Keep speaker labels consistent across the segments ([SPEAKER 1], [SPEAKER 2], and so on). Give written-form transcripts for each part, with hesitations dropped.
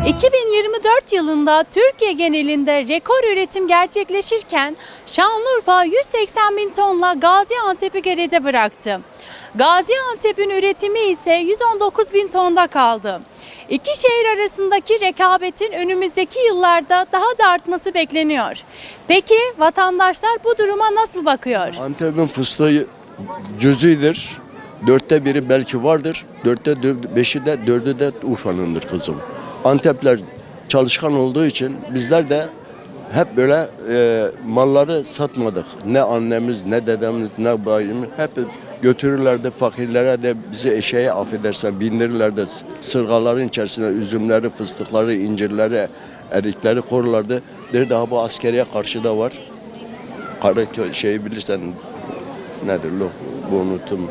[SPEAKER 1] 2024 yılında Türkiye genelinde rekor üretim gerçekleşirken Şanlıurfa 180 bin tonla Gaziantep'i geride bıraktı. Gaziantep'in üretimi ise 119 bin tonda kaldı. İki şehir arasındaki rekabetin önümüzdeki yıllarda daha da artması bekleniyor. Peki vatandaşlar bu duruma nasıl bakıyor?
[SPEAKER 2] Antep'in fıstığı cüzidir. 1/4 belki vardır. 5'i de 4'ü de Urfa'nındır kızım. Antepler çalışkan olduğu için bizler de hep böyle malları satmadık. Ne annemiz, ne dedemiz, ne bayimiz hep götürürlerdi fakirlere de bizi eşeğe affedersen bindirirlerdi. Sırgaların içerisine üzümleri, fıstıkları, incirleri, erikleri korurlardı. Derdi ha bu askeriye karşı da var. Şeyi bilirsen nedir lo? Bu unuttum.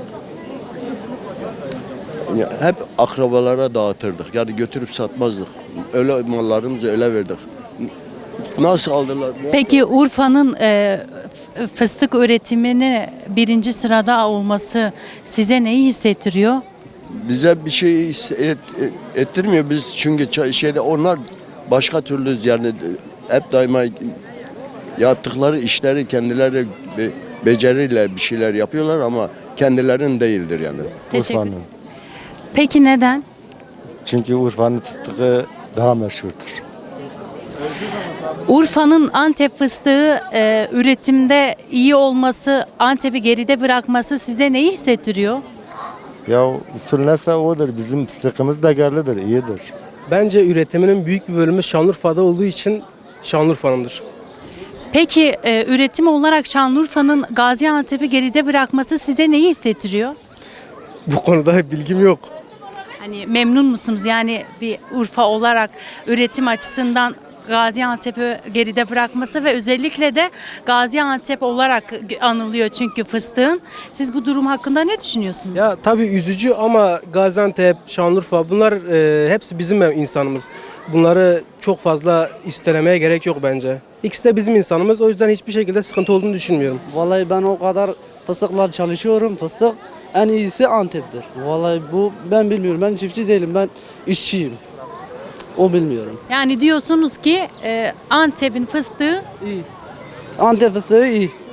[SPEAKER 2] Ya hep akrabalara dağıtırdık. Yani götürüp satmazdık. Öyle mallarımızı öyle verdik. Nasıl aldılar?
[SPEAKER 1] Peki Urfa'nın fıstık üretimini birinci sırada olması size neyi hissettiriyor?
[SPEAKER 2] Bize bir şey ettirmiyor. Biz çünkü onlar başka türlü yani hep daima yaptıkları işleri kendileri beceriyle bir şeyler yapıyorlar ama kendilerinin değildir yani.
[SPEAKER 1] Teşekkür ederim.
[SPEAKER 3] Urfa'nın.
[SPEAKER 1] Peki neden?
[SPEAKER 3] Çünkü Urfa'nın fıstığı daha meşhurdur.
[SPEAKER 1] Urfa'nın Antep fıstığı üretimde iyi olması, Antep'i geride bırakması size neyi hissettiriyor?
[SPEAKER 3] Ya usul neyse odur. Bizim fıstığımız da yerlidir, iyidir.
[SPEAKER 4] Bence üretiminin büyük bir bölümü Şanlıurfa'da olduğu için Şanlıurfa'nındır.
[SPEAKER 1] Peki üretim olarak Şanlıurfa'nın Gaziantep'i geride bırakması size neyi hissettiriyor?
[SPEAKER 4] Bu konuda bilgim yok.
[SPEAKER 1] Hani memnun musunuz? Yani bir Urfa olarak üretim açısından Gaziantep'i geride bırakması ve özellikle de Gaziantep olarak anılıyor çünkü fıstığın. Siz bu durum hakkında ne düşünüyorsunuz?
[SPEAKER 4] Ya tabii üzücü ama Gaziantep, Şanlıurfa bunlar hepsi bizim insanımız. Bunları çok fazla üstlemeye gerek yok bence. İkisi de bizim insanımız, o yüzden hiçbir şekilde sıkıntı olduğunu düşünmüyorum.
[SPEAKER 5] Vallahi ben o kadar fıstıkla çalışıyorum. Fıstık en iyisi Antep'tir. Vallahi bu ben bilmiyorum. Ben çiftçi değilim. Ben işçiyim. O bilmiyorum.
[SPEAKER 1] Yani diyorsunuz ki Antep'in fıstığı
[SPEAKER 5] İyi. Antep fıstığı iyi.